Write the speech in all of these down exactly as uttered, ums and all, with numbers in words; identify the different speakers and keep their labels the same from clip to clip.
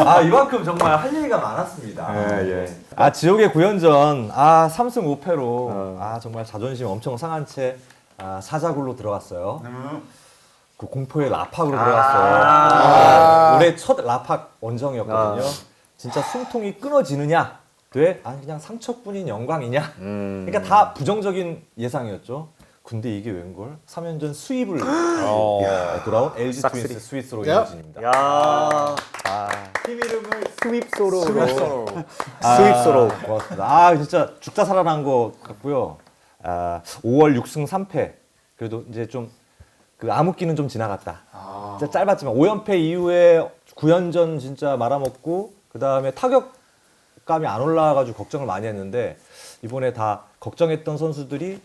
Speaker 1: 아 이만큼 정말 할 얘기가 많았습니다.
Speaker 2: 예, 예.
Speaker 1: 아 지옥의 구연전 아 삼 승 오 패로 어. 아 정말 자존심 엄청 상한 채 아, 사자굴로 들어갔어요.
Speaker 2: 음.
Speaker 1: 그 공포의 라팍으로 들어갔어요. 아~ 올해 첫 라팍 원정이었거든요. 아~ 진짜 숨통이 끊어지느냐? 돼? 아 그냥 상처뿐인 영광이냐? 음~ 그러니까 다 부정적인 예상이었죠. 근데 이게 웬걸? 삼 연전 수입을 어~ 돌아온 엘지 트윈스 스위스로 이어진입니다.
Speaker 3: 야,
Speaker 1: 아,
Speaker 2: 팀 이름을 스윕소로.
Speaker 3: 스윕소로.
Speaker 1: 아,
Speaker 3: 스윕소로.
Speaker 1: 고맙습니다. 아 진짜 죽다 살아난 것 같고요. 아, 오월 육 승 삼 패. 그래도 이제 좀 그 암흑기는 좀 지나갔다. 아. 진짜 짧았지만 오 연패 이후에 구 연전 진짜 말아먹고 그 다음에 타격감이 안 올라와가지고 걱정을 많이 했는데 이번에 다 걱정했던 선수들이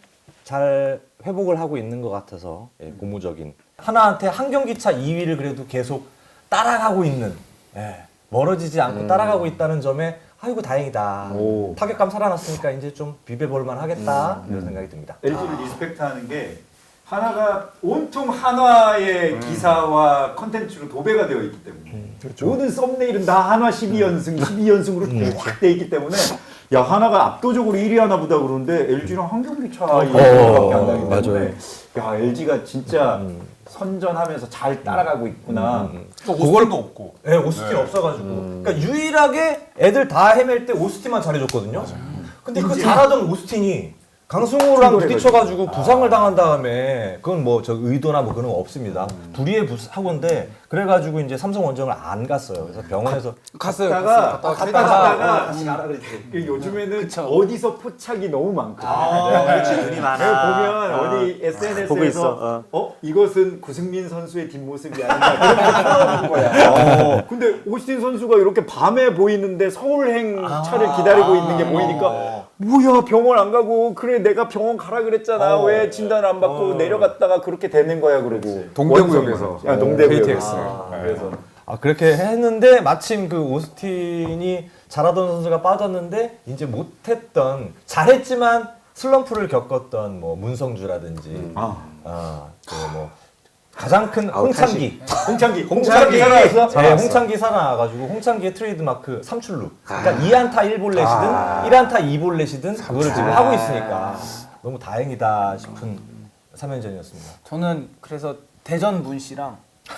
Speaker 1: 잘 회복을 하고 있는 것 같아서 예, 고무적인 하나한테 한 경기 차 이 위를 그래도 계속 따라가고 있는 예, 멀어지지 않고 음. 따라가고 있다는 점에 아이고 다행이다. 오. 타격감 살아났으니까 이제 좀 비벼볼만 하겠다 음. 이런 생각이 듭니다.
Speaker 2: 엘지를 아. 리스펙트하는 게 하나가 온통 한화의 음. 기사와 컨텐츠로 도배가 되어 있기 때문에 음, 그렇죠. 모든 썸네일은 다 한화 십이 연승, 음. 십이 연승으로 음. 쫙 돼 있기 때문에 야 하나가 압도적으로 일 위 하나 보다 그러는데 엘지랑 한 경기 차이밖에 안 나기 때문에 야 엘지가 진짜 음. 선전하면서 잘 따라가고 있구나.
Speaker 4: 음. 또 오스틴도 없고.
Speaker 1: 네, 오스틴 네. 없어가지고. 음. 그러니까 유일하게 애들 다 헤맬 때 오스틴만 잘해줬거든요. 맞아요. 근데 그 잘하던 오스틴이 강승호랑 부딪혀가지고 부상을 아. 당한 다음에 그건 뭐 저 의도나 뭐 그런 거 없습니다. 음. 불의의 사고인데 그래가지고 이제 삼성 원정을 안 갔어요. 그래서 병원에서
Speaker 5: 갔어요.
Speaker 2: 갔다가
Speaker 5: 갔다가
Speaker 2: 갔다가, 갔다가
Speaker 1: 다시 가라 그랬지.
Speaker 2: 요즘에는 그쵸. 어디서 포착이 너무 많거든요.
Speaker 3: 아, 그렇지 눈이 많아.
Speaker 2: 보면 아. 어디 에스엔에스에서 어. 어 이것은 구승민 선수의 뒷모습이 아닌가 그런 게 나오는 거야. 어. 근데 오스틴 선수가 이렇게 밤에 보이는데 서울행 아. 차를 기다리고 있는 게 보이니까. 뭐야 병원 안 가고 그래 내가 병원 가라 그랬잖아 어, 왜 진단 안 받고 어. 내려갔다가 그렇게 되는 거야 그러고
Speaker 4: 동대구역에서
Speaker 2: 야 동대구역
Speaker 4: 아,
Speaker 1: 아, 그래서 아 그렇게 했는데 마침 그 오스틴이 잘하던 선수가 빠졌는데 이제 못했던 잘했지만 슬럼프를 겪었던 뭐 문성주라든지 음. 아, 아 그 뭐 가장 큰 홍창기.
Speaker 2: 홍창기.
Speaker 1: 홍창기 살아났어? 네, 홍창기 살아나가지고 홍창기의 트레이드 마크 삼출루. 그러니까 아. 이 안타 일 볼넷이든 아. 일 안타 이 볼넷이든 그거를 지금 아. 하고 있으니까 너무 다행이다 싶은 삼 연전이었습니다.
Speaker 5: 저는 그래서 대전 문 씨랑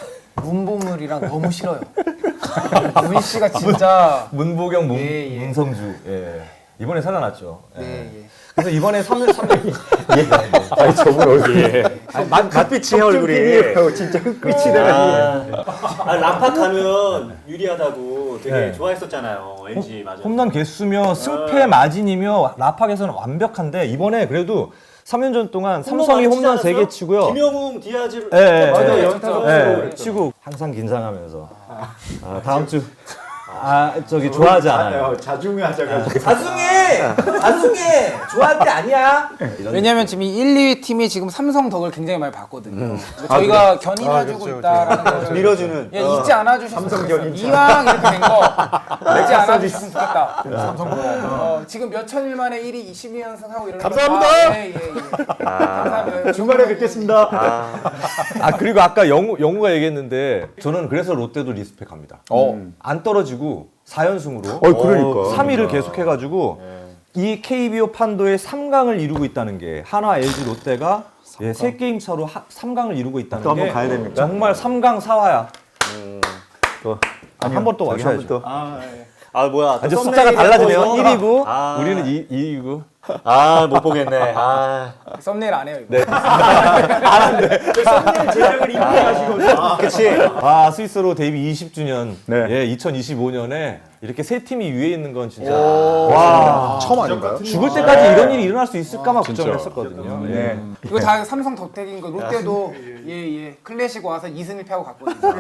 Speaker 5: 문보물이랑 너무 싫어요. 문 씨가 진짜
Speaker 1: 문보경, 문,
Speaker 5: 예, 예.
Speaker 1: 문성주. 예. 이번에 살아났죠. 예.
Speaker 5: 예, 예.
Speaker 1: 그래서 이번에 삼 년, 삼 년.
Speaker 2: 예. 아니, 저분 얼굴이.
Speaker 3: 예. 맛빛이 얼굴이.
Speaker 2: 진짜 흑빛이 돼가지고.
Speaker 3: 아, 라팍 가면 유리하다고 되게 네. 좋아했었잖아요. 엘지 맞아.
Speaker 1: 홈런 개수며 승패 마진이며 라팍에서는 완벽한데 이번에 그래도 삼 년전 동안 삼성이 홈런 세 개 치고요.
Speaker 3: 김영웅, 디아즈를
Speaker 1: 예, 예,
Speaker 2: 맞아요.
Speaker 1: 예,
Speaker 2: 연타로
Speaker 1: 예, 치고 항상 긴장하면서 아, 다음 주 아 저기 좋아하지 않아요.
Speaker 2: 자중해 하자가지고.
Speaker 1: 자중해! 자중해! 좋아할 때 아니야?
Speaker 5: 왜냐면 지금 이 일, 이 위 팀이 지금 삼성 덕을 굉장히 많이 봤거든요. 음. 저희가 아, 그래? 견인해주고 아, 그렇죠,
Speaker 3: 그렇죠.
Speaker 5: 있다라는 거를
Speaker 3: 밀어주는.
Speaker 5: 예, 잊지 않아주셨으면
Speaker 2: 삼성 견인.
Speaker 5: 이왕 이렇게 된 거 잊지 않아주셨으면 좋겠다. 삼성 어, 지금 몇 천일 만에 일 위 이십이 연승 하고 이러는
Speaker 2: 감사합니다.
Speaker 5: 아, 예, 예, 예. 아, 감사합니다.
Speaker 2: 주말에 뵙겠습니다.
Speaker 3: 아.
Speaker 1: 아 그리고 아까 영우, 영우가 얘기했는데 저는 그래서 롯데도 리스펙합니다. 어. 안 떨어지고 사 연승으로
Speaker 2: 어, 그러니까.
Speaker 1: 삼 위를 계속해가지고 네. 이 케이비오 판도의 삼 강을 이루고 있다는 게 한화, 엘지, 롯데가 예, 세 게임 차로 하, 삼 강을 이루고 있다는
Speaker 2: 또
Speaker 1: 게
Speaker 2: 한번 가야 됩니까?
Speaker 1: 정말 삼 강 사화야.
Speaker 3: 음.
Speaker 1: 한 번 또 와셔야죠.
Speaker 3: 아, 예. 아 뭐야?
Speaker 1: 이제 숫자가 달라지네요. 일 위고 아. 우리는 이 위고.
Speaker 3: 아 못 보겠네. 아
Speaker 5: 썸네일 안 해요 이거.
Speaker 1: 네. 안 한대.
Speaker 2: 썸네일 제작을 이렇게 하시고.
Speaker 3: 아, 그치.
Speaker 1: 아 스위스로 데뷔 이십 주년.
Speaker 2: 네.
Speaker 1: 예, 이천이십오 년에 이렇게 세 팀이 위에 있는 건 진짜
Speaker 4: 와 처음 아닌가요?
Speaker 1: 죽을 때까지 네. 이런 일이 일어날 수 있을까만 걱정을 했었거든요. 예.
Speaker 5: 이거 다 삼성 덕택인 거. 롯데도 예예 클래식 와서 이 승 일 패하고 갔거든요.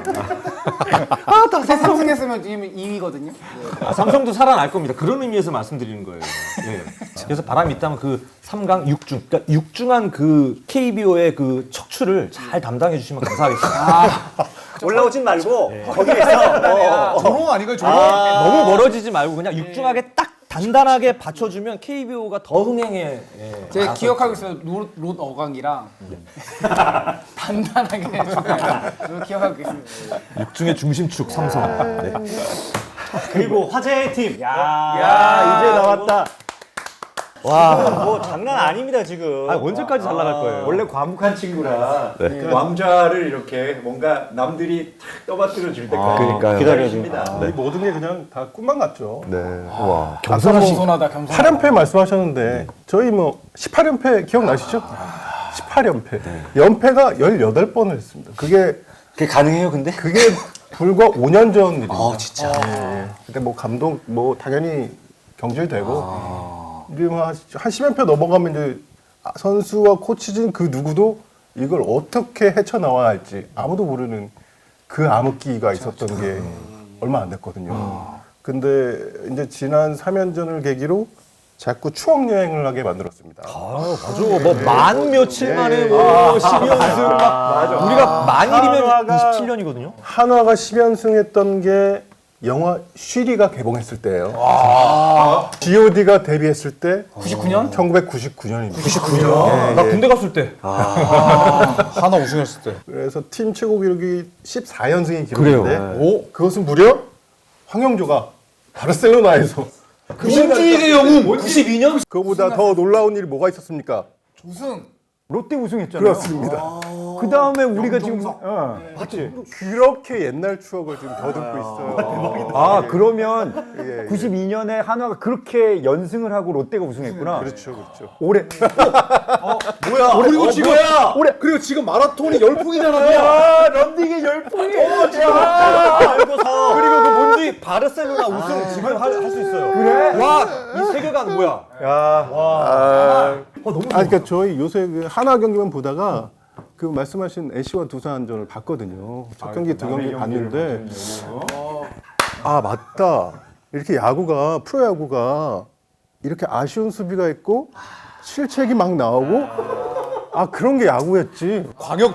Speaker 5: 아다 삼성 했으면 지금 이 위거든요. 네.
Speaker 1: 아, 삼성도 살아날 겁니다. 그런 의미에서 말씀드리는 거예요. 예. 그래서 바람이 있다면 그 삼 강 육 중, 그러니까 육중한 그 케이비오의 그 척추를 잘 담당해 주시면 감사하겠습니다.
Speaker 3: 아, 올라오진 말고 네. 거기에서 어.
Speaker 4: 조롱 아닌가요? 조롱?
Speaker 1: 아, 너무 멀어지지 말고 그냥 육중하게 딱 단단하게 받쳐주면 케이비오가 더 흥행해. 예.
Speaker 5: 제가 기억하고 있어요. 롯, 롯 어강이랑 음. 단단하게 해주면 기억하고 있습니다.
Speaker 1: 육중의 중심축 삼성. 네.
Speaker 3: 그리고 화제의 팀. 야,
Speaker 2: 야, 이제 나왔다.
Speaker 1: 와.
Speaker 3: 뭐 장난 아닙니다 지금.
Speaker 1: 아, 언제까지 잘 나갈 거예요?
Speaker 2: 원래 과묵한 친구라
Speaker 1: 네.
Speaker 2: 그 왕좌를 이렇게 뭔가 남들이 탁 떠받들어 줄 때까지
Speaker 1: 그러니까요.
Speaker 2: 기다려줍니다.
Speaker 4: 이 모든 게 그냥 다 꿈만 같죠.
Speaker 1: 네. 와.
Speaker 5: 겸손하다 겸손하다.
Speaker 4: 팔 연패 말씀하셨는데 저희 뭐 십팔 연패 기억나시죠? 십팔 연패. 연패가 열여덟 번을 했습니다. 그게
Speaker 3: 그게 가능해요 근데?
Speaker 4: 그게 불과 오 년 전 일입니다.
Speaker 3: 아 진짜.
Speaker 4: 예, 예. 그때 뭐 감독 뭐 당연히 경질되고 지금 한, 한 십 연패 넘어가면 이제 선수와 코치진 그 누구도 이걸 어떻게 헤쳐나와야 할지 아무도 모르는 그 암흑기가 있었던 게 얼마 안 됐거든요. 근데 이제 지난 삼 연전을 계기로 자꾸 추억 여행을 하게 만들었습니다.
Speaker 1: 아, 맞아. 뭐 만 며칠 만에 뭐 십 연승 막 우리가 만일이면
Speaker 4: 한화가-
Speaker 1: 이십칠 년이거든요.
Speaker 4: 한화가 십 연승했던 게 영화 쉬리가 개봉했을 때예요. 지오디가 데뷔했을 때
Speaker 5: 구십구 년?
Speaker 4: 천구백구십구 년입니다.
Speaker 1: 구십구 년. 나 군대 갔을 때.
Speaker 6: 하나 우승했을 때.
Speaker 4: 그래서 팀 최고 기록이 십사 연승이
Speaker 1: 그래요.
Speaker 4: 기록인데 오, 그것은 무려 황영조가 바르셀로나에서
Speaker 1: 민주인의 영웅 구십이 년.
Speaker 4: 그거보다 더 놀라운 일이 뭐가 있었습니까?
Speaker 5: 우승.
Speaker 2: 롯데 우승했잖아요.
Speaker 4: 그렇습니다.
Speaker 2: 그 다음에 우리가 지금 어, 맞지?
Speaker 4: 그렇게 옛날 추억을 지금 더듬고 있어요.
Speaker 2: 아 그러면
Speaker 4: 예, 예.
Speaker 2: 구십이 년에 한화가 그렇게 연승을 하고 롯데가 우승했구나.
Speaker 4: 그렇죠, 그렇죠.
Speaker 2: 올해
Speaker 6: 뭐야? 그리고 지금
Speaker 2: 올해
Speaker 6: 그리고 지금 마라톤이 열풍이잖아요.
Speaker 2: 야 런닝이 열풍이.
Speaker 1: 그리고 그 뭔지 바르셀로나 우승 지금 할 수 있어요.
Speaker 2: 그래?
Speaker 1: 와, 이 세계관 뭐야?
Speaker 4: 야, 아, 아니, 그러니까 저희 요새 그 한화 경기만 보다가 그 말씀하신 애쉬와 두산전을 봤거든요. 첫 경기, 두 경기 봤는데 아 맞다. 이렇게 야구가 프로야구가 이렇게 아쉬운 수비가 있고 실책이 막 나오고 아 그런 게 야구였지.
Speaker 6: 광역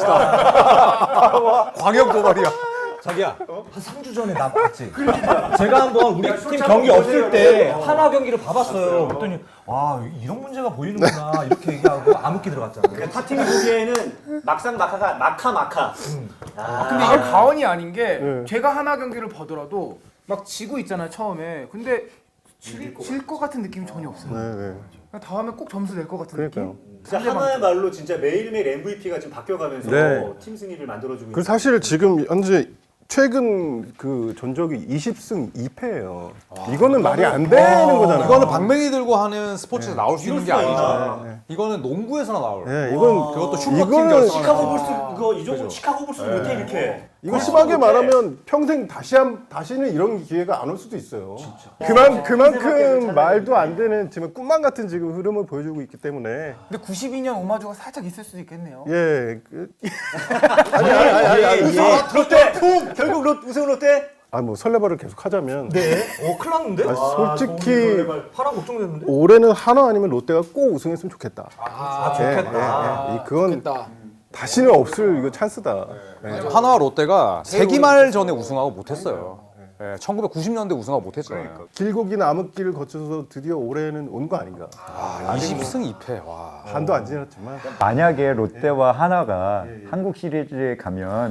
Speaker 6: 도발이시다. 광역 도발이야.
Speaker 1: 자기야, 한 삼 주 전에 나 봤지? 제가 한번 우리 팀 경기 없을 때 한화 경기를 봐봤어요. 그랬더니 와, 이런 문제가 보이는구나 이렇게 얘기하고 암흑기 들어갔잖아.
Speaker 3: 그러니까 타 팀이 보기에는 막상 마카가 마카 마카.
Speaker 5: 아, 근데 이게 가언이 아닌 게
Speaker 4: 네.
Speaker 5: 제가 하나 경기를 보더라도 막 지고 있잖아요 처음에. 근데 질 것 같은 느낌이 전혀 없어요.
Speaker 4: 네, 네.
Speaker 5: 그냥 다음에 꼭 점수 낼 것 같은
Speaker 4: 그러니까요.
Speaker 5: 느낌.
Speaker 3: 진짜 하나의 말로 진짜 매일매일 엠브이피가 지금 바뀌어가면서
Speaker 4: 네.
Speaker 3: 팀 승리를 만들어주고
Speaker 4: 그 사실 지금 현재 최근 그 전적이 이십 승 이 패예요. 이거는 말이 안 되는 거잖아요.
Speaker 6: 이거는 방맹이 들고 하는 스포츠에서 나올 수 있는 게
Speaker 3: 이럴 수가
Speaker 6: 아니죠.
Speaker 3: 있죠.
Speaker 6: 이거는 농구에서나 나올.
Speaker 4: 네, 이건
Speaker 6: 그것도 슈퍼팀
Speaker 4: 이거는
Speaker 6: 결승.
Speaker 3: 시카고 볼스 그거 이 정도 시카고 볼스 못해 이렇게.
Speaker 4: 이거 심하게 말하면 평생 다시 한 다시는 이런 기회가 안 올 수도 있어요. 그만 그만큼 말도 안 되는 지금 꿈만 같은 지금 흐름을 보여주고 있기 때문에
Speaker 5: 근데 구십이 년 오마주가 살짝 있을 수도 있겠네요.
Speaker 4: 예. 그,
Speaker 3: 아니 아니 아니 아니. 우승 롯데 품 결국 롯 우승 롯데.
Speaker 4: 아 뭐 설레발을 계속 하자면
Speaker 1: 네? 어, 큰일 났는데?
Speaker 4: 아, 솔직히
Speaker 1: 하나 걱정되는데?
Speaker 4: 올해는 한화 아니면 롯데가 꼭 우승했으면 좋겠다.
Speaker 1: 아,
Speaker 4: 예,
Speaker 1: 좋겠다.
Speaker 4: 예, 예. 이 그건
Speaker 5: 좋겠다.
Speaker 4: 다시는 없을 이거 찬스다. 예.
Speaker 6: 한화와 롯데가 세기말 전에 우승하고 못했어요. 예, 천구백구십 년대 우승하고 못했잖아요.
Speaker 4: 길고 긴 암흑기를 거쳐서 드디어 올해는 온 거 아닌가.
Speaker 6: 이십 승 이 패. 와.
Speaker 4: 반도 안 지났지만
Speaker 2: 만약에 롯데와 한화가 한국 시리즈에 가면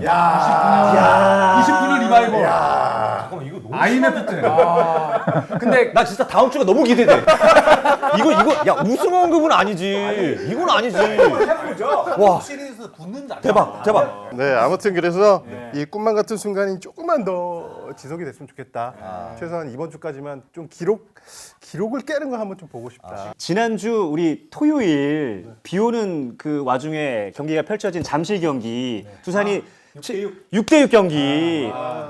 Speaker 1: 이십구 년 리바이벌. 잠깐만, 이거 너무 아이엠에프 때.
Speaker 5: 근데
Speaker 1: 나 진짜 다음 주가 너무 기대돼. 이거 이거 야 우승 언급은 아니지. 이건 아니지. 와
Speaker 6: 시리즈 붙는 자.
Speaker 1: 대박 대박.
Speaker 4: 네, 아무튼 그래서 이 꿈만 같은 순간이 조금만 더 지속이 됐으면 좋겠다. 최소한 이번 주까지만 좀 기록 기록을 깨는 거 한번 좀 보고 싶다.
Speaker 3: 지난주 우리 토요일 비 오는 그 와중에 경기가 펼쳐진 잠실 경기 두산이 육 대 육 경기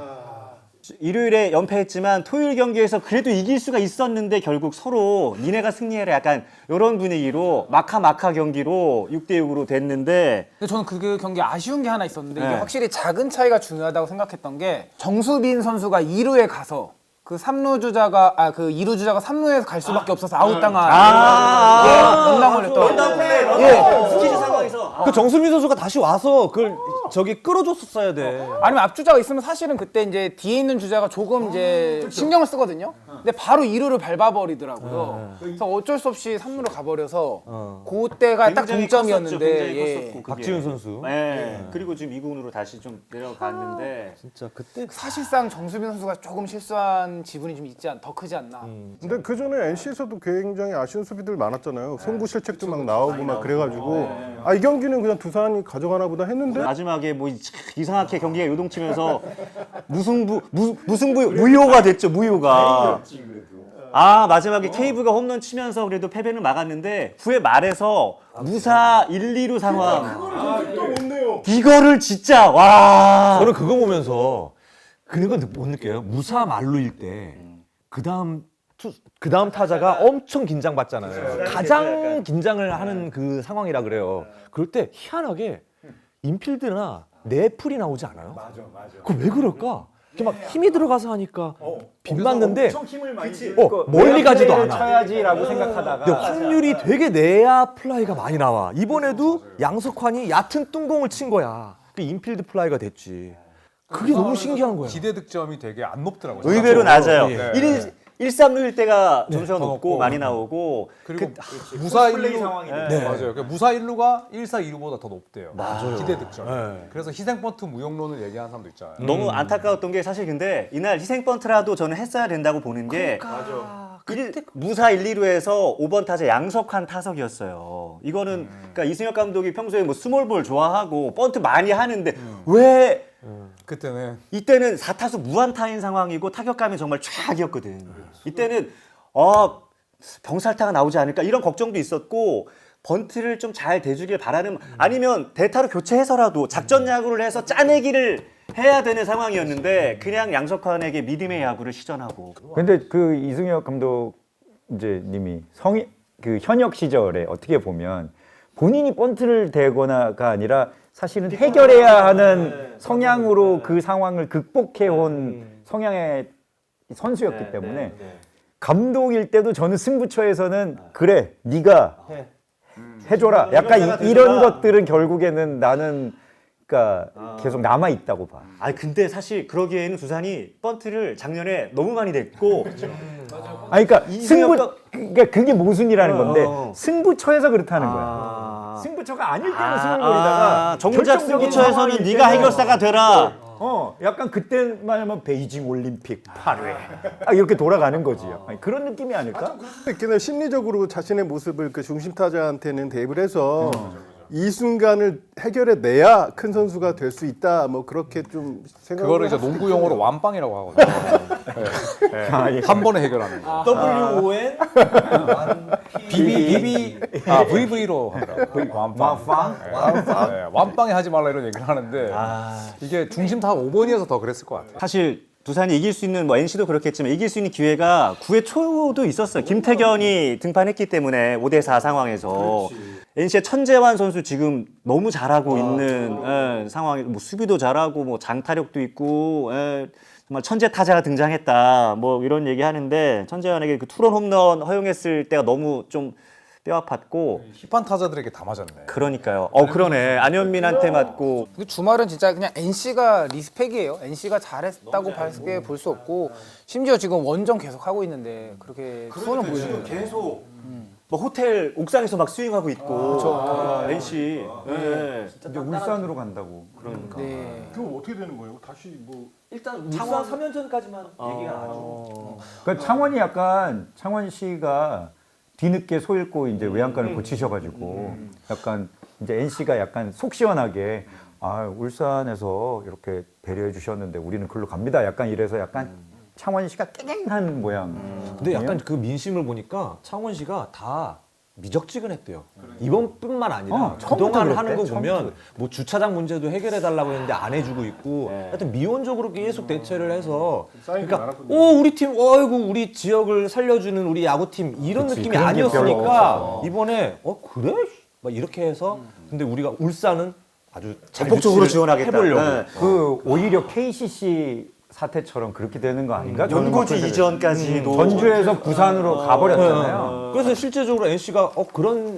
Speaker 3: 일요일에 연패했지만 토요일 경기에서 그래도 이길 수가 있었는데 결국 서로 니네가 승리해라 약간 이런 분위기로 마카 마카 경기로 육 대 육으로 됐는데
Speaker 5: 근데 저는 그 경기 아쉬운 게 하나 있었는데 이게
Speaker 3: 네.
Speaker 5: 확실히 작은 차이가 중요하다고 생각했던 게 정수빈 선수가 이 루에 가서 그 삼 루 주자가 아 그 이 루 주자가 삼 루에서 갈 수밖에 없어서 아웃당한
Speaker 3: 아,
Speaker 5: 예, 연당 걸렸던
Speaker 3: 런당 플레이
Speaker 5: 예.
Speaker 3: 런당 스키즈 상황에서
Speaker 1: 그 정수민 선수가 다시 와서 그걸 저기 끌어줬었어야 돼.
Speaker 5: 아니면 앞주자가 있으면 사실은 그때 이제 뒤에 있는 주자가 조금 이제 신경을 쓰거든요. 근데 바로 이 루를 밟아버리더라고요. 그래서 어쩔 수 없이 삼 루로 가버려서 그때가 딱
Speaker 3: 굉장히
Speaker 5: 동점이었는데
Speaker 3: 컸었죠, 굉장히
Speaker 5: 예.
Speaker 3: 컸었고, 그게.
Speaker 1: 박지훈 선수.
Speaker 3: 네. 그리고 지금 이 군으로 다시 좀 내려갔는데
Speaker 1: 진짜 그때
Speaker 5: 사실상 정수빈 선수가 조금 실수한 지분이 좀 있지 않, 더 크지 않나.
Speaker 4: 근데 그 전에 엔씨에서도 굉장히 아쉬운 수비들 많았잖아요. 송구 실책도 막 나오고 막 그래가지고 아 이 경기는 그냥 두산이 가져가나 보다 했는데
Speaker 3: 마지막에 뭐 이- 이상하게 경기가 요동치면서 무승부 무, 무승부 무효가 됐죠. 무효가. 아 마지막에 케이브가 홈런 치면서 그래도 패배는 막았는데 후에 말해서 무사 일, 이 루 상황. 이거를 진짜 와.
Speaker 1: 저는 그거 보면서 그런 건 못 느껴요. 무사 말루일 때 그 다음 그 다음 타자가 엄청 긴장받잖아요. 가장 긴장을 하는 그 상황이라 그래요. 그럴 때 희한하게 인필드나 내풀이 나오지 않아요?
Speaker 2: 맞아, 맞아.
Speaker 1: 그거 왜 그럴까? 이렇게 막 힘이 들어가서 하니까 빗 맞는데
Speaker 2: 엄청 힘을 많이 주
Speaker 1: 어, 멀리 가지도 않아.
Speaker 2: 쳐야지라고 생각하다가
Speaker 1: 근데 확률이 되게 내야 플라이가 많이 나와. 이번에도 양석환이 얕은 뚱공을 친 거야. 그 인필드 플라이가 됐지. 그게 너무 신기한 거야.
Speaker 6: 기대 득점이 되게 안 높더라고요.
Speaker 3: 의외로 낮아요.
Speaker 1: 예.
Speaker 3: 일, 일, 삼 루일 때가 점수가
Speaker 6: 더
Speaker 3: 높고
Speaker 6: 높고.
Speaker 3: 많이 나오고
Speaker 6: 그리고
Speaker 3: 그,
Speaker 6: 무사 일
Speaker 2: 플레이
Speaker 6: 루
Speaker 2: 상황이
Speaker 6: 네.
Speaker 1: 네.
Speaker 6: 맞아요. 그 무사 일 루가 일, 사, 이 루보다 더 높대요.
Speaker 1: 맞아요.
Speaker 6: 기대 득점.
Speaker 1: 네.
Speaker 6: 그래서 희생 번트 무용론을 얘기하는 사람도 있잖아요.
Speaker 3: 너무 안타까웠던 게 사실 근데 이날 희생 번트라도 저는 했어야 된다고 보는 게 일, 무사 일, 이 루에서 오 번 타자 양석환 타석이었어요. 이거는 그러니까 이승엽 감독이 평소에 뭐 스몰볼 좋아하고 번트 많이 하는데 왜
Speaker 6: 그때는
Speaker 3: 이때는 사 타수 무안타인 상황이고 타격감이 정말 최악이었거든. 이때는 어, 병살타가 나오지 않을까 이런 걱정도 있었고 번트를 좀 잘 대주길 바라는 아니면 대타로 교체해서라도 작전 야구를 해서 짜내기를 해야 되는 상황이었는데 그냥 양석환에게 믿음의 야구를 시전하고
Speaker 7: 근데 그 이승엽 감독 이제 님이 성이 그 현역 시절에 어떻게 보면 본인이 번트를 대거나가 아니라 사실은 해결해야 하는 성향으로 그 상황을 극복해 온 성향의 선수였기 때문에 감독일 때도 저는 승부처에서는 그래 네가 해줘라 약간 이, 이런 것들은 결국에는 나는 그러니까 계속 남아 있다고 봐.
Speaker 3: 아 근데 사실 그러기에는 두산이 번트를 작년에 너무 많이 냈고
Speaker 7: 아니 그러니까
Speaker 3: 이승엽
Speaker 7: 승부 그러니까 그게 모순이라는 건데
Speaker 3: 어.
Speaker 7: 승부처에서 그렇다는
Speaker 3: 아.
Speaker 7: 거야. 승부처가 아닐 때는
Speaker 3: 아,
Speaker 7: 승을
Speaker 3: 아,
Speaker 7: 벌이다가
Speaker 3: 정작
Speaker 7: 결정적인
Speaker 3: 승부처에서는
Speaker 7: 상황일
Speaker 3: 네가
Speaker 7: 때는
Speaker 3: 해결사가 되라.
Speaker 7: 어, 약간 그때만 하면 베이징 올림픽 팔 회 아, 이렇게 돌아가는 거지. 아니, 그런 느낌이 아닐까?
Speaker 4: 있긴 심리적으로 자신의 모습을 그 중심 타자한테는 대입을 해서 이 순간을 해결해 내야 큰 선수가 될 수 있다. 뭐 그렇게 좀 생각.
Speaker 6: 그거를 이제 농구 용어로 완빵이라고 하거든요. 네. 한 번에 해결하는 거.
Speaker 1: 더블유 오 엔
Speaker 6: 비비 비비 아 브이브이로 하더라고요. 완빵. 완빵. 네, 완빵에 하지 말라 이런 얘기를 하는데 이게 중심 다 오 번이어서 더 그랬을 것 같아요.
Speaker 3: 사실 두산이 이길 수 있는 뭐 엔씨도 그렇겠지만 이길 수 있는 기회가 구 회 초도 있었어요. 김태견이 등판했기 때문에 오 대 사 상황에서 엔씨의 천재환 선수 지금 너무 잘하고 있는 예, 상황이 뭐 수비도 잘하고 뭐 장타력도 있고 예, 정말 천재 타자가 등장했다 뭐 이런 얘기 하는데 천재환에게 그 투런 홈런 허용했을 때가 너무 좀 뼈 아팠고
Speaker 6: 힙한 타자들에게 다 맞았네.
Speaker 3: 그러니까요. 어 그러네 안현민한테 맞고
Speaker 5: 그 주말은 진짜 그냥 엔씨가 리스펙이에요. 엔씨가 잘했다고 밖에 볼 수 없고 심지어 지금 원정 계속 하고 있는데 그렇게 수원을 보여주는 거예요.
Speaker 3: 계속 뭐 호텔 옥상에서 막 스윙하고 있고 아, 엔씨 네.
Speaker 7: 이제 울산으로 간다고.
Speaker 3: 그러니까
Speaker 5: 네.
Speaker 4: 그거 어떻게 되는 거예요? 다시 뭐
Speaker 1: 일단 울산 삼 연전까지만 얘기가 나죠.
Speaker 7: 그 창원이 약간 창원 씨가 뒤늦게 소잃고 이제 외양간을 고치셔가지고 약간 이제 엔씨가 약간 속 시원하게 아 울산에서 이렇게 배려해 주셨는데 우리는 글로 갑니다. 약간 이래서 약간 창원 씨가 깽깽한 모양.
Speaker 1: 근데 약간 그 민심을 보니까 창원시가 다 미적지근했대요. 이번뿐만 아니라
Speaker 7: 어, 처음부터
Speaker 1: 그동안 하는 거
Speaker 7: 그랬대,
Speaker 1: 보면
Speaker 7: 처음부터.
Speaker 1: 뭐 주차장 문제도 해결해 달라고 했는데 안 해주고 있고 하여튼 미온적으로 계속 대처를 해서
Speaker 4: 사인이
Speaker 1: 그러니까
Speaker 4: 많았거든요.
Speaker 1: 오 우리 팀 어이구 우리 지역을 살려주는 우리 야구팀 이런
Speaker 7: 그치,
Speaker 1: 느낌이
Speaker 7: 그런 게 별로
Speaker 1: 아니었으니까
Speaker 7: 없었어.
Speaker 1: 이번에 어 그래? 막 이렇게 해서 근데 우리가 울산은 아주 잘
Speaker 3: 적극적으로
Speaker 1: 유치를
Speaker 3: 지원하겠다.
Speaker 1: 해보려고.
Speaker 3: 네.
Speaker 7: 그 오히려 케이씨씨 사태처럼 그렇게 되는 거 아닌가? 저는
Speaker 3: 연고지
Speaker 7: 막
Speaker 3: 이전까지도
Speaker 7: 전주에서 부산으로 가버렸잖아요.
Speaker 1: 그래서 실제적으로 엔씨가 어 그런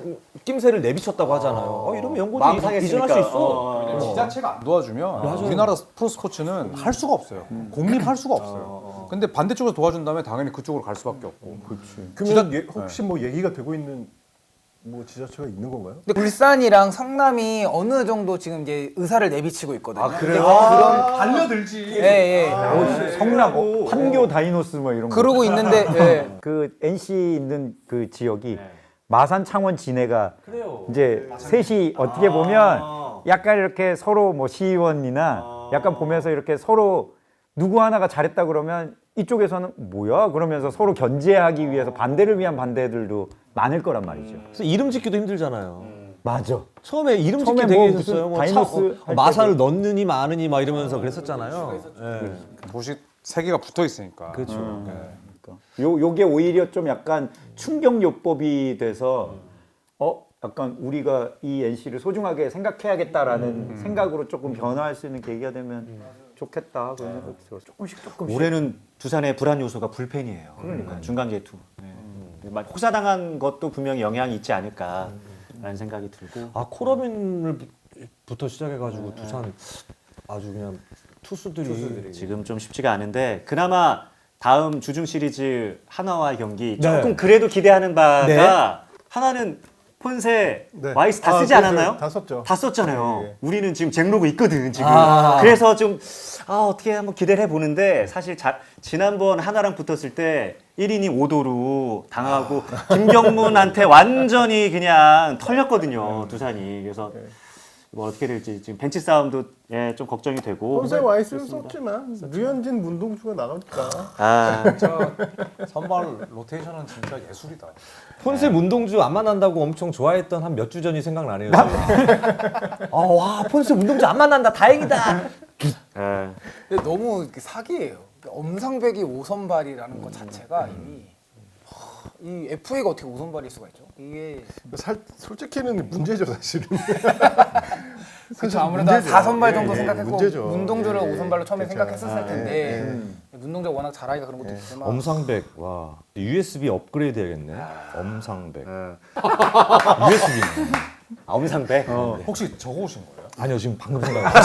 Speaker 1: 낌새를 내비쳤다고 하잖아요. 어, 이러면 연고도
Speaker 3: 마음
Speaker 1: 이-
Speaker 3: 상했으니까.
Speaker 1: 이전할 수 있어.
Speaker 3: 어,
Speaker 6: 왜냐면 지자체가 안 도와주면 우리나라 프로스포츠는 할 수가 없어요. 공립할 수가 없어요. 근데 반대쪽에서 도와준다면 당연히 그쪽으로 갈 수밖에 없고.
Speaker 4: 그러면 예, 혹시 뭐 얘기가 되고 있는 뭐 지자체가 있는 건가요?
Speaker 5: 근데 울산이랑 성남이 어느 정도 지금 이제 의사를 내비치고 있거든요. 아
Speaker 3: 그래요?
Speaker 5: 그런
Speaker 2: 달려들지.
Speaker 5: 예, 예.
Speaker 7: 어, 성남, 어, 판교 다이노스 뭐 이런 거.
Speaker 5: 그러고 있는데 예.
Speaker 7: 그 엔씨 있는 그 지역이 마산, 창원, 진해가 이제 셋이 어떻게 보면 약간 이렇게 서로 뭐 시의원이나 약간 보면서 이렇게 서로 누구 하나가 잘했다 그러면 이쪽에서는 뭐야 그러면서 서로 견제하기 위해서 반대를 위한 반대들도 많을 거란 말이죠.
Speaker 1: 그래서 이름 짓기도 힘들잖아요.
Speaker 7: 맞아.
Speaker 1: 처음에 이름 짓기
Speaker 7: 처음에
Speaker 1: 되게
Speaker 7: 뭐
Speaker 1: 힘들었어요.
Speaker 7: 무슨
Speaker 1: 뭐
Speaker 7: 다이노스
Speaker 1: 차- 어,
Speaker 7: 할
Speaker 1: 마사를 넣느니 마느니 막 이러면서 그랬었잖아요. 예.
Speaker 6: 도시 세 개가 붙어 있으니까.
Speaker 1: 그렇죠.
Speaker 7: 요 요게 오히려 좀 약간 충격요법이 돼서 어 약간 우리가 이 엔씨를 소중하게 생각해야겠다라는 생각으로 조금 변화할 수 있는 계기가 되면 좋겠다 그런 생각이 들어요. 조금씩 조금씩.
Speaker 3: 올해는 두산의 불안 요소가 불펜이에요. 그러니까 중간 개투. 네. 막 혹사당한 것도 분명히 영향이 있지 않을까라는 생각이 들고.
Speaker 1: 아 코러빈을부터 시작해가지고 두산 아주 그냥 투수들이,
Speaker 3: 지금 좀 쉽지가 않은데 그나마 다음 주중 시리즈 하나와의 경기 조금
Speaker 1: 네.
Speaker 3: 그래도 기대하는 바가
Speaker 1: 네.
Speaker 3: 하나는 폰세
Speaker 4: 네.
Speaker 3: 와이스 다
Speaker 4: 아,
Speaker 3: 쓰지
Speaker 4: 그,
Speaker 3: 않았나요?
Speaker 4: 그, 다 썼죠.
Speaker 3: 다 썼잖아요.
Speaker 4: 예, 예.
Speaker 3: 우리는 지금 잭로그 있거든 지금.
Speaker 1: 아.
Speaker 3: 그래서 좀 아, 어떻게 한번 기대를 해보는데 사실 자, 지난번 하나랑 붙었을 때 일 이닝 오 도루 당하고 김경문한테 완전히 그냥 털렸거든요 두산이. 그래서 뭐 어떻게 될지 지금 벤치 싸움도 예, 좀 걱정이 되고.
Speaker 4: 폰세 와이스를 썼지만 류현진, 문동주가 나가니까
Speaker 3: 아,
Speaker 6: 진짜 선발 로테이션은 진짜 예술이다.
Speaker 1: 폰세 문동주 안 만난다고 엄청 좋아했던 한 몇 주 전이 생각나네요. 아, 와 폰세 문동주 안 만난다 다행이다.
Speaker 3: 예.
Speaker 5: 근데 너무 이렇게 사기예요. 엄상백이 오선발이라는 것 자체가 이미 하, 이 에프에이가 어떻게 오선발일 수가 있죠? 이게
Speaker 4: 살, 솔직히는 문제죠 사실은.
Speaker 5: 그렇죠. 아무래도
Speaker 4: 문제죠.
Speaker 5: 사 선발 정도
Speaker 4: 예, 예,
Speaker 5: 생각했고
Speaker 4: 문제죠.
Speaker 5: 문동주를
Speaker 4: 예, 예.
Speaker 5: 오선발로 처음에
Speaker 4: 그렇죠.
Speaker 5: 생각했었을
Speaker 4: 아,
Speaker 5: 텐데
Speaker 4: 예,
Speaker 5: 문동주가 워낙 잘하니까 그런 것도 있지만
Speaker 1: 엄상백 와 유에스비 업그레이드 해야겠네. 엄상백
Speaker 3: 어.
Speaker 1: 유에스비.
Speaker 3: 아, 엄상백.
Speaker 6: 혹시 적어오신 거예요?
Speaker 1: 아니요 지금 방금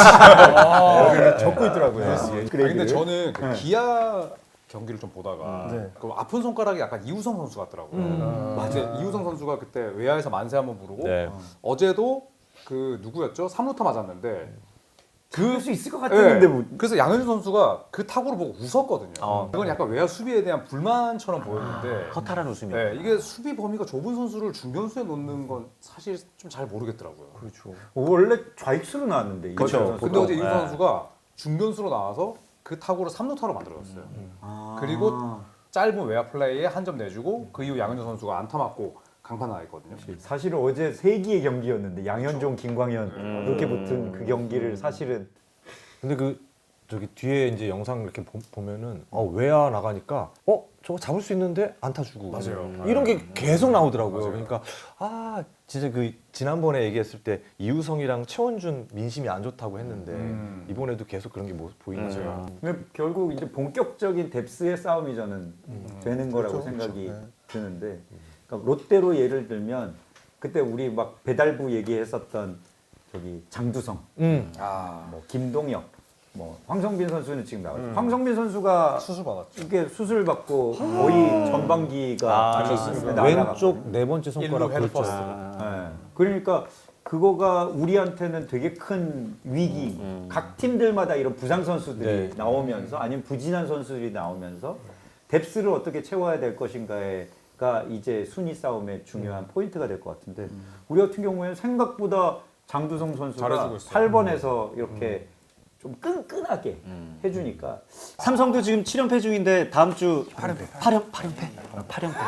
Speaker 1: 생각했어요.
Speaker 4: 적고 있더라고요.
Speaker 6: 아니, 근데 저는 그 기아 경기를 좀 보다가 그 아픈 손가락이 약간 이우성 선수 같더라고요. 근데 이우성 선수가 그때 외야에서 만세 한번 부르고
Speaker 1: 네.
Speaker 6: 어제도 그 누구였죠? 삼 루타 맞았는데
Speaker 7: 그럴 수 있을 것
Speaker 6: 네.
Speaker 7: 같았는데 뭐.
Speaker 6: 그래서 양현준 선수가 그 타구를 보고 웃었거든요.
Speaker 3: 어.
Speaker 6: 그건 약간 외야 수비에 대한 불만처럼 보였는데
Speaker 3: 허탈한 웃음이.
Speaker 6: 네, 이게 수비 범위가 좁은 선수를 중견수에 놓는 건 사실 좀 잘 모르겠더라고요.
Speaker 4: 그렇죠.
Speaker 7: 원래 좌익수로 나왔는데
Speaker 6: 그렇죠.
Speaker 7: 이거죠.
Speaker 6: 근데 어제 이우
Speaker 3: 네.
Speaker 6: 선수가 중견수로 나와서 그 타구를 삼 루타로 만들어줬어요.
Speaker 3: 아.
Speaker 6: 그리고 짧은 외야 플레이에 한 점 내주고 그 이후 양현종 선수가 안타 맞고 강판 나왔거든요.
Speaker 7: 사실은 어제 세기의 경기였는데 양현종, 김광현
Speaker 3: 음.
Speaker 7: 그렇게 붙은 그 경기를 사실은
Speaker 1: 근데 그 저기 뒤에 이제 영상 이렇게 보, 보면은 어 외야 나가니까 어 저거 잡을 수 있는데 안타 주고
Speaker 6: 맞아요.
Speaker 1: 이런 게 계속 나오더라고요. 그러니까 아 진짜 그 지난번에 얘기했을 때 이우성이랑 최원준 민심이 안 좋다고 했는데
Speaker 6: 음.
Speaker 1: 이번에도 계속 그런 게 뭐, 보이네요.
Speaker 7: 근데 결국 이제 본격적인 뎁스의 싸움이 저는 되는 거라고
Speaker 4: 그렇죠,
Speaker 7: 생각이
Speaker 4: 그렇죠. 네.
Speaker 7: 드는데 그러니까 롯데로 예를 들면 그때 우리 막 배달부 얘기했었던 저기 장두성,
Speaker 1: 음.
Speaker 7: 뭐 김동혁, 뭐 황성빈 선수는 지금 나왔죠. 황성빈 선수가
Speaker 6: 수술 받았죠.
Speaker 7: 이게 수술 받고 거의 전반기가
Speaker 3: 아,
Speaker 7: 날아갔거든요.
Speaker 1: 왼쪽 네 번째 손가락
Speaker 6: 일루 헤드
Speaker 1: 골절.
Speaker 6: 퍼스트.
Speaker 7: 네. 그러니까 그거가 우리한테는 되게 큰 위기. 각 팀들마다 이런 부상 선수들이
Speaker 1: 네.
Speaker 7: 나오면서 아니면 부진한 선수들이 나오면서 뎁스를 어떻게 채워야 될 것인가가 이제 순위 싸움의 중요한 포인트가 될 것 같은데 우리 같은 경우에는 생각보다 장두성 선수가
Speaker 6: 잘해주고 있어요.
Speaker 7: 팔 번에서 이렇게 좀 끈끈하게 해주니까
Speaker 3: 삼성도 지금 칠 연패 중인데 다음 주 팔 연패. 팔 연 팔 연패. 팔 연패.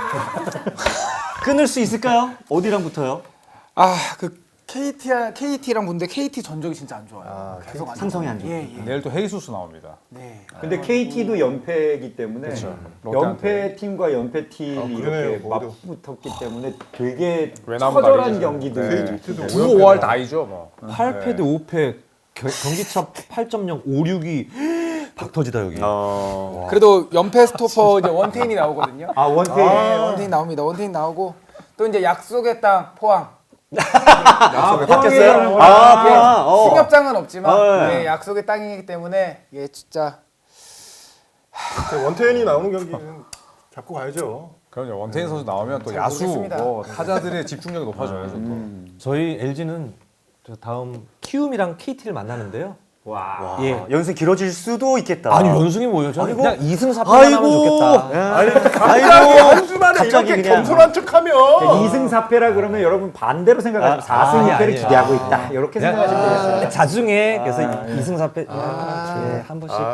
Speaker 3: 끊을 수 있을까요? 어디랑 붙어요?
Speaker 5: 아그 케이티 케이티랑 본데 케이티 전적이 진짜 안 좋아요. 계속 안
Speaker 3: 삼성이 안
Speaker 5: 좋아요. 예, 예.
Speaker 6: 내일 또 헤이수스 나옵니다.
Speaker 5: 네.
Speaker 7: 근데 케이티도 연패이기 때문에
Speaker 6: 그렇죠.
Speaker 7: 연패 팀과 연패 팀이
Speaker 4: 아, 그러네요.
Speaker 7: 이렇게
Speaker 4: 오히려.
Speaker 7: 맞붙었기 때문에 되게
Speaker 6: 외나무
Speaker 7: 처절한
Speaker 6: 다리죠.
Speaker 7: 경기들
Speaker 6: 네. 구, 오할 다이죠 뭐.
Speaker 1: 팔 패 대 오 패 경기차 팔 점 영 오육이 박 터지다 여기.
Speaker 3: 어.
Speaker 5: 그래도 연패 스토퍼 이제 원태인이 나오거든요.
Speaker 7: 아 원태인
Speaker 5: 네, 원태인 나옵니다. 원태인 나오고 또 이제 약속의 땅 포항
Speaker 6: 약속에
Speaker 3: 바뀌었어요?
Speaker 5: 아,
Speaker 3: 아, 포항. 어.
Speaker 5: 승협장은 없지만
Speaker 3: 어,
Speaker 5: 네, 약속의 땅이기 때문에 예 진짜
Speaker 4: 원태인이 나오는 경기는 잡고 가야죠.
Speaker 6: 그럼요. 원태인 선수 나오면 또
Speaker 5: 잘
Speaker 6: 야수,
Speaker 5: 모르겠습니다.
Speaker 6: 뭐 타자들의 집중력이 높아져요. 또.
Speaker 1: 저희 엘지는 다음 키움이랑 케이티를 만나는데요.
Speaker 3: 와.
Speaker 1: 예.
Speaker 3: 연승 길어질 수도 있겠다.
Speaker 1: 아니 연승이 뭐예요? 저는
Speaker 3: 아이고.
Speaker 1: 그냥 이승 사패만 하면 좋겠다.
Speaker 3: 아이고.
Speaker 4: 한 주만에
Speaker 3: 갑자기
Speaker 4: 이렇게
Speaker 3: 그냥.
Speaker 4: 겸손한 척하면
Speaker 7: 이 승 사 패라 그러면 여러분 반대로 생각하시면 사 승
Speaker 1: 아니,
Speaker 7: 이 패를
Speaker 1: 아니에요.
Speaker 7: 기대하고 있다. 이렇게 생각하시면 되겠어요.
Speaker 1: 자중에 그래서 이승 사패 예, 한 번씩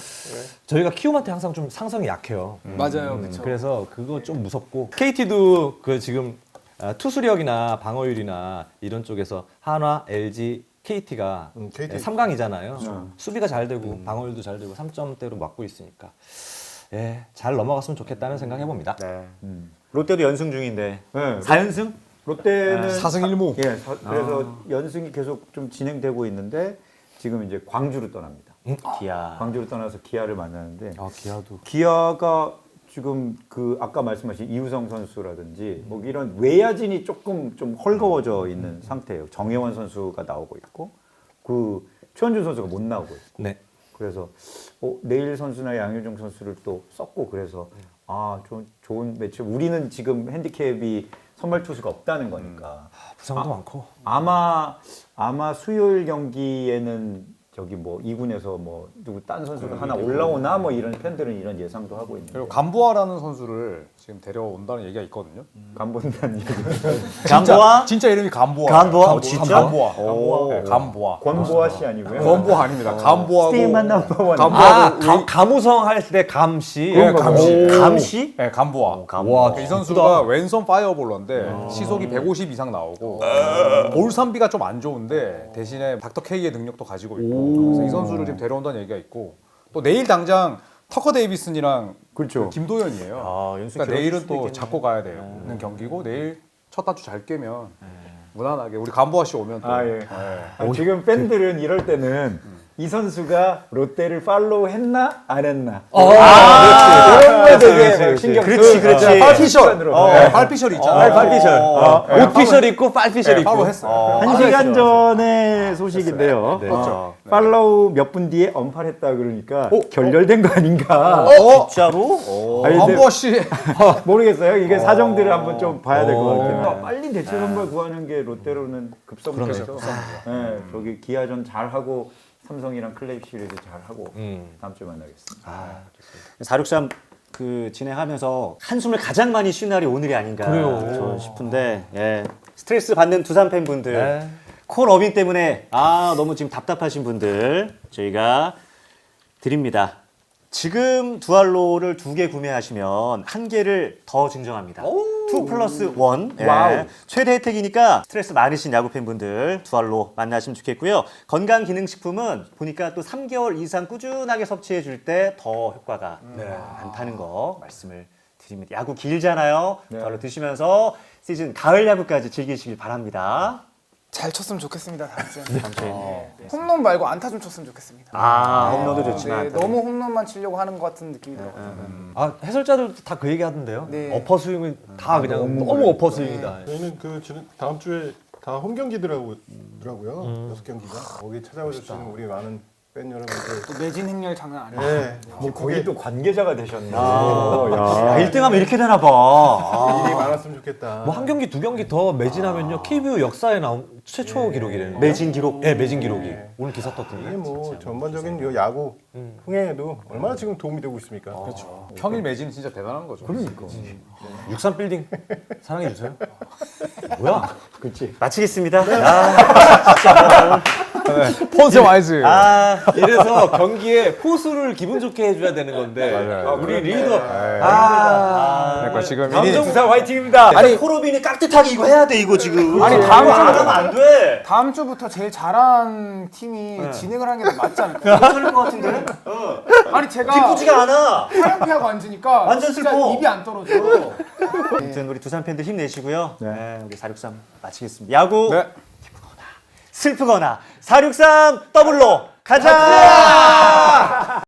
Speaker 1: 저희가 키움한테 항상 좀 상성이 약해요.
Speaker 5: 맞아요, 그렇죠.
Speaker 1: 그래서 그거 좀 무섭고 케이티도 그 지금 아, 투수력이나 방어율이나 이런 쪽에서 한화, 엘지, 케이티가
Speaker 4: 음, 케이티.
Speaker 1: 삼 강이잖아요. 수비가 잘 되고 방어율도 잘 되고 삼 점대로 막고 있으니까 예, 잘 넘어갔으면 좋겠다는 생각 해봅니다.
Speaker 3: 네. 롯데도 연승 중인데.
Speaker 7: 네.
Speaker 3: 사 연승?
Speaker 7: 롯데는
Speaker 6: 사승 일무.
Speaker 7: 예, 사- 그래서 연승이 계속 좀 진행되고 있는데 지금 이제 광주로 떠납니다.
Speaker 3: 기아.
Speaker 7: 광주로 떠나서 기아를 만나는데
Speaker 1: 아, 기아도
Speaker 7: 기아가 지금 그 아까 말씀하신 이우성 선수라든지 뭐 이런 외야진이 조금 좀 헐거워져 있는 상태예요. 정혜원 선수가 나오고 있고 그 최원준 선수가 못 나오고 있고
Speaker 1: 네.
Speaker 7: 그래서 어, 내일 선수나 양효종 선수를 또 썼고 그래서 아 좋은 좋은 매치. 우리는 지금 핸디캡이 선발 투수가 없다는 거니까
Speaker 1: 부상도 많고
Speaker 7: 아마 아마 수요일 경기에는 저기 뭐 이 군에서 뭐 누구 딴 선수가 하나 올라오나 뭐 이런 팬들은 이런 예상도 하고 있는데
Speaker 6: 그리고 감보아라는 선수를 지금 데려온다는 얘기가 있거든요.
Speaker 7: 간본다는 얘기.
Speaker 3: 감보아?
Speaker 6: 진짜 이름이 감보아.
Speaker 3: 감보아? 어, 진짜?
Speaker 6: 감보아.
Speaker 3: 오.
Speaker 6: 네, 감보아.
Speaker 7: 권보아 씨 아니고요.
Speaker 6: 건보아 아닙니다. 감보아고.
Speaker 7: 스테이만 넘버원.
Speaker 1: 아, 감, 감우성 할 때 감시.
Speaker 6: 예, 감시.
Speaker 3: 감시?
Speaker 6: 네, 감보아.
Speaker 1: 와,
Speaker 6: 이 선수가 왼손 파이어볼러인데 시속이 백오십 이상 나오고 볼삼비가 좀 안 좋은데 대신에 닥터 K의 능력도 가지고 있고 그래서 이 선수를 지금 데려온다는 얘기가 있고 또 내일 당장 터커 데이비슨이랑
Speaker 7: 그렇죠.
Speaker 6: 김도현이에요.
Speaker 3: 아, 연승
Speaker 6: 그러니까
Speaker 3: 길어질
Speaker 6: 내일은
Speaker 3: 수도
Speaker 6: 또
Speaker 3: 있겠네.
Speaker 6: 잡고 가야 되는 경기고 내일 첫 타주 잘 깨면 무난하게 우리 감보아 씨 오면 또
Speaker 7: 아, 예.
Speaker 6: 네.
Speaker 7: 아, 지금 팬들은 이럴 때는 이 선수가 롯데를 팔로우 했나 안 했나. 아, 이런 거에 되게 신경
Speaker 3: 그렇지, 그렇지.
Speaker 6: 팔피셜.
Speaker 7: 어.
Speaker 6: 네, 팔피셜 있잖아요.
Speaker 3: 팔피셜.
Speaker 1: 옷피셜 입고 빨피셜
Speaker 6: 네,
Speaker 1: 입고.
Speaker 6: 바로 했어요.
Speaker 7: 한 시간 전에 소식인데요.
Speaker 1: 네.
Speaker 7: 어, 팔로우 몇 분 뒤에 언팔했다 그러니까 결렬된 거 아닌가.
Speaker 3: 어? 진짜로? 오.
Speaker 7: 아니, 근데
Speaker 6: 감보아 씨.
Speaker 7: 모르겠어요. 이게 사정들을 한번 좀 봐야 될 것
Speaker 1: 어.
Speaker 7: 같아요. 빨리 대체 선발 구하는 게 롯데로는 급선무라서. 네, 저기 기아전 잘 하고 삼성이랑 클레이 시리즈 잘 하고
Speaker 1: 음.
Speaker 7: 다음 주에 만나겠습니다.
Speaker 3: 사육삼 그 진행하면서 한숨을 가장 많이 쉰 날이 오늘이 아닌가
Speaker 1: 그래요.
Speaker 3: 저는 싶은데 예. 스트레스 받는 두산 팬분들
Speaker 1: 네.
Speaker 3: 콜 어빙 때문에 아 너무 지금 답답하신 분들 저희가 드립니다. 지금 두알로를 두 개 구매하시면 한 개를 더 증정합니다. 투 플러스 원. 예.
Speaker 7: 와우.
Speaker 3: 최대 혜택이니까 스트레스 많으신 야구 팬분들 두알로 만나시면 좋겠고요. 건강기능식품은 보니까 또 삼 개월 이상 꾸준하게 섭취해 줄 때 더 효과가 많다는 거 말씀을 드립니다. 야구 길잖아요. 두알로 드시면서 시즌 가을 야구까지 즐기시길 바랍니다.
Speaker 5: 잘 쳤으면 좋겠습니다. 다음 주에.
Speaker 3: 다음 주에.
Speaker 5: 홈런 말고 안타 좀 쳤으면 좋겠습니다.
Speaker 3: 아, 홈런도 좋지만.
Speaker 5: 네, 너무 홈런만 치려고 하는 것 같은 느낌이 들어요.
Speaker 1: 아, 해설자들도 다 그 얘기 하던데요.
Speaker 5: 네.
Speaker 1: 어퍼 스윙은 다 그냥 너무 어퍼 스윙이다.
Speaker 4: 저희는 그 지금 다음 주에 다 홈 경기더라고요. 여섯 경기가 거기 찾아와 주시는 우리 많은 팬 여러분들.
Speaker 5: 또 매진 행렬 장난 아니에요.
Speaker 4: 네,
Speaker 7: 뭐 거기 또 관계자가 되셨네.
Speaker 3: 야, 일 등 하면 이렇게 되나 봐.
Speaker 4: 일이 많았으면 좋겠다.
Speaker 1: 뭐 한 경기 두 경기 더 매진하면요 케이비오 역사에 나온 최초 기록이래요.
Speaker 3: 매진 기록.
Speaker 1: 네, 매진 기록이 오늘 기사 떴던데.
Speaker 4: 이게 뭐 전반적인 요 야구 흥행에도 얼마나 지금 도움이 되고 있습니까? 그렇죠.
Speaker 6: 평일 매진 진짜 대단한 거죠. 그러니까.
Speaker 1: 육삼 빌딩 사랑해 주세요. 뭐야?
Speaker 3: 마치겠습니다.
Speaker 6: 폰세 와이즈.
Speaker 3: 아,
Speaker 1: 이래서 경기에 포수를 기분 좋게 해줘야 되는 건데
Speaker 6: 맞아요.
Speaker 1: 우리 리더
Speaker 3: 아,
Speaker 6: 그러니까 지금
Speaker 1: 감정
Speaker 6: 이
Speaker 1: 부산 화이팅입니다.
Speaker 3: 아니 호로빈이 깍듯하게 이거 해야 돼 이거 지금.
Speaker 5: 아니,
Speaker 3: 이거
Speaker 5: 다음
Speaker 3: 안
Speaker 5: 주에-
Speaker 3: 하면 안 돼.
Speaker 5: 다음 주부터 제일 잘한 팀이 진행을 하는 게 더 맞지 않을까요?
Speaker 3: 괜찮을 것 같은데? 어.
Speaker 5: 아니 제가
Speaker 3: 기쁘지가 않아.
Speaker 5: 화염피하고 앉으니까
Speaker 3: 완전
Speaker 5: 진짜
Speaker 3: 슬퍼.
Speaker 5: 입이 안 떨어져.
Speaker 3: 아무튼 우리 두산 팬들 힘내시고요. 네, 우리 사육삼 마치겠습니다. 야구
Speaker 6: 네.
Speaker 3: 슬프거나 사육삼 더블로 가자.